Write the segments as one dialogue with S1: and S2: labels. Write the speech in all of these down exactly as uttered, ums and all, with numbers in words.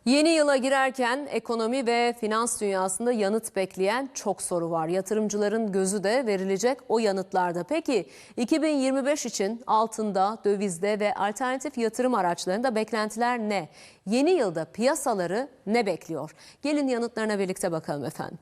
S1: Yeni yıla girerken ekonomi ve finans dünyasında yanıt bekleyen çok soru var. Yatırımcıların gözü de verilecek o yanıtlarda. Peki iki bin yirmi beş için altında, dövizde ve alternatif yatırım araçlarında beklentiler ne? Yeni yılda piyasaları ne bekliyor? Gelin yanıtlarına birlikte bakalım efendim.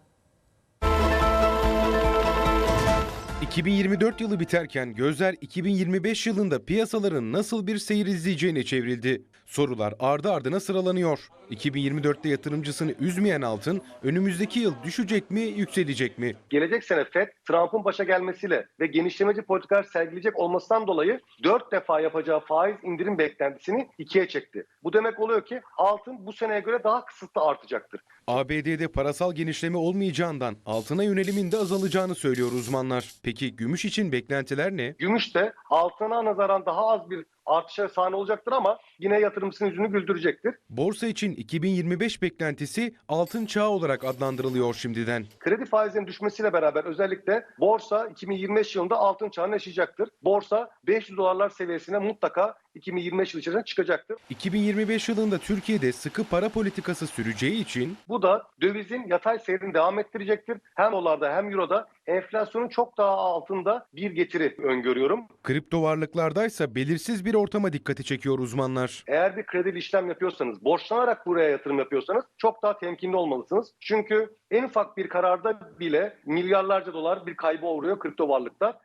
S2: iki bin yirmi dört yılı biterken gözler iki bin yirmi beş yılında piyasaların nasıl bir seyir izleyeceğine çevrildi. Sorular ardı ardına sıralanıyor. iki bin yirmi dörtte yatırımcısını üzmeyen altın önümüzdeki yıl düşecek mi, yükselecek mi?
S3: Gelecek sene Fed, Trump'ın başa gelmesiyle ve genişlemeci politikalar sergileyecek olmasından dolayı dört defa yapacağı faiz indirim beklentisini ikiye çekti. Bu demek oluyor ki altın bu seneye göre daha kısıtlı artacaktır.
S2: A B D'de parasal genişleme olmayacağından altına yönelimin de azalacağını söylüyor uzmanlar. Peki gümüş için beklentiler ne?
S3: Gümüş de altına nazaran daha az bir artışa sahne olacaktır ama yine yatırımcısının yüzünü güldürecektir.
S2: Borsa için iki bin yirmi beş beklentisi altın çağı olarak adlandırılıyor şimdiden.
S3: Kredi faizinin düşmesiyle beraber özellikle borsa iki bin yirmi beş yılında altın çağını yaşayacaktır. Borsa beş yüz dolarlar seviyesine mutlaka iki bin yirmi beş yılı içerisinde çıkacaktır.
S2: iki bin yirmi beş yılında Türkiye'de sıkı para politikası süreceği için
S3: Bu da dövizin yatay seyrini devam ettirecektir. Hem dolarda hem euroda enflasyonun çok daha altında bir getiri öngörüyorum.
S2: kripto varlıklardaysa belirsiz bir ortama dikkati çekiyor uzmanlar.
S3: Eğer bir kredili işlem yapıyorsanız, borçlanarak buraya yatırım yapıyorsanız çok daha temkinli olmalısınız. Çünkü en ufak bir kararda bile milyarlarca dolar bir kayba uğruyor kripto varlıklar.